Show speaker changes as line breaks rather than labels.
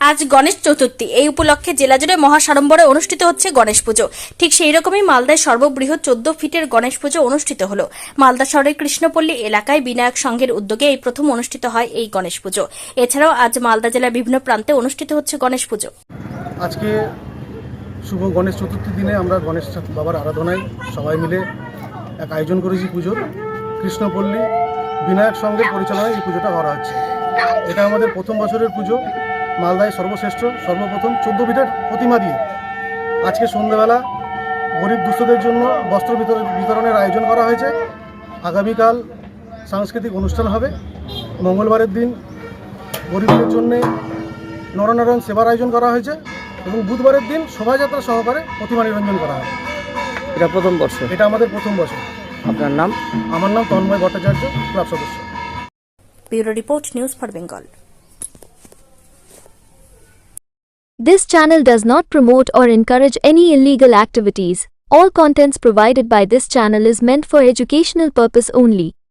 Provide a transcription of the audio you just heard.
আজ গণেশ চতুর্থী। এই উপলক্ষে জেলাজুড়ে মহাসাড়ম্বরে অনুষ্ঠিত হচ্ছে গণেশ পুজো। ঠিক সেই রকমই মালদায় সর্ববৃহৎ 14 ফিটের গণেশ পুজো অনুষ্ঠিত হলো। মালদা শহরের কৃষ্ণপল্লী এলাকায় বিনায়ক সংঘের উদ্যোগে এই প্রথম অনুষ্ঠিত হয় এই গণেশ পুজো। এছাড়াও আজ মালদা জেলার বিভিন্ন প্রান্তে অনুষ্ঠিত হচ্ছে গণেশ পুজো।
আজকে শুভ গণেশ চতুর্থীর দিনে আমরা গণেশ বাবার আরাধনায় সবাই মিলে এক আয়োজন করেছি পুজোর। কৃষ্ণপল্লী বিনায়ক সংঘের পরিচালনায় এই পুজোটা করা হচ্ছে। এটা আমাদের প্রথম বছরের পুজো। মালদায় সর্বপ্রথম 14 ফিটের প্রতিমা দিয়ে আজকে সন্ধ্যাবেলা গরিব দুস্থদের জন্য বস্ত্র বিতরণের আয়োজন করা হয়েছে। আগামীকাল সাংস্কৃতিক অনুষ্ঠান হবে। মঙ্গলবারের দিন গরিবদের জন্যে নরনারায়ণ সেবার আয়োজন করা হয়েছে এবং বুধবারের দিন শোভাযাত্রা সহকারে প্রতিমা নিরঞ্জন করা হবে।
এটা প্রথম বর্ষ।
এটা আমাদের প্রথম বছর।
আপনার নাম?
আমার নাম তন্ময় ভট্টাচার্য, ক্লাব সদস্য।
Bureau report, news for Bengal.
This channel does not promote or encourage any illegal activities. All contents provided by this channel is meant for educational purpose only.